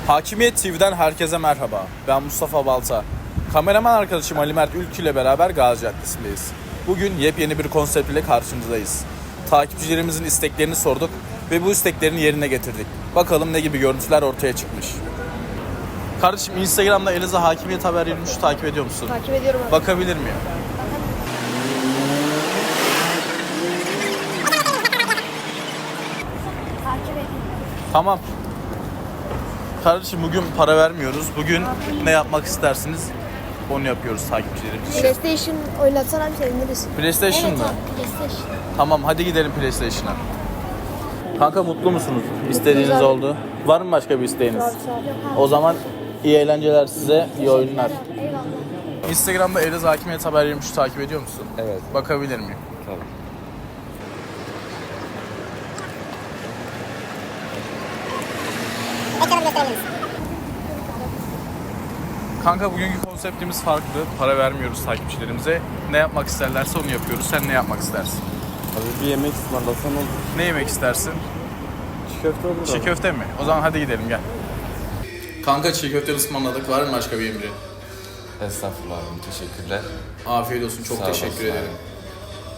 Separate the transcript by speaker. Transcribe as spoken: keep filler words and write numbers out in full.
Speaker 1: Hakimiyet T V'den herkese merhaba. Ben Mustafa Balta. Kameraman arkadaşım Ali Mert Ülkü ile beraber Gazi Caddesi'ndeyiz. Bugün yepyeni bir konsept ile karşınızdayız. Takipçilerimizin isteklerini sorduk ve bu isteklerini yerine getirdik. Bakalım ne gibi görüntüler ortaya çıkmış. Kardeşim Instagram'da Eliza Hakimiyet Haber yirmi üçü takip ediyor musun?
Speaker 2: Takip ediyorum abi.
Speaker 1: Bakabilir miyim?
Speaker 2: Takip ediyorum.
Speaker 1: Tamam. Kardeşim bugün para vermiyoruz. Bugün ne yapmak istersiniz? Onu yapıyoruz takipçilerimiz için.
Speaker 2: PlayStation oynatsan abi seviniriz.
Speaker 1: PlayStation mı?
Speaker 2: PlayStation.
Speaker 1: Tamam hadi gidelim PlayStation'a. Kanka mutlu musunuz? İstediğiniz
Speaker 2: abi.
Speaker 1: oldu. Var mı başka bir isteğiniz?
Speaker 2: Yok abi.
Speaker 1: O zaman iyi eğlenceler size, iyi oyunlar.
Speaker 2: Eyvallah.
Speaker 1: Instagram'da Eliza Hakimiyet Haber yirmi üçü takip ediyor musun?
Speaker 3: Evet.
Speaker 1: Bakabilir miyim?
Speaker 3: Tabii.
Speaker 1: Kanka bugünkü konseptimiz farklı. Para vermiyoruz takipçilerimize. Ne yapmak isterlerse onu yapıyoruz. Sen ne yapmak istersin?
Speaker 3: Abi bir yemek ısmarlasan olur.
Speaker 1: Ne yemek istersin?
Speaker 3: Çiğ köfte olur
Speaker 1: Çiğ
Speaker 3: abi.
Speaker 1: köfte mi? O zaman hadi gidelim gel. Kanka çiğ köfte ısmarladık. Var mı başka bir emrin?
Speaker 3: Estağfurullah abim, teşekkürler.
Speaker 1: Afiyet olsun. Çok
Speaker 3: Sağ
Speaker 1: teşekkür
Speaker 3: olasın
Speaker 1: ederim.
Speaker 3: abi.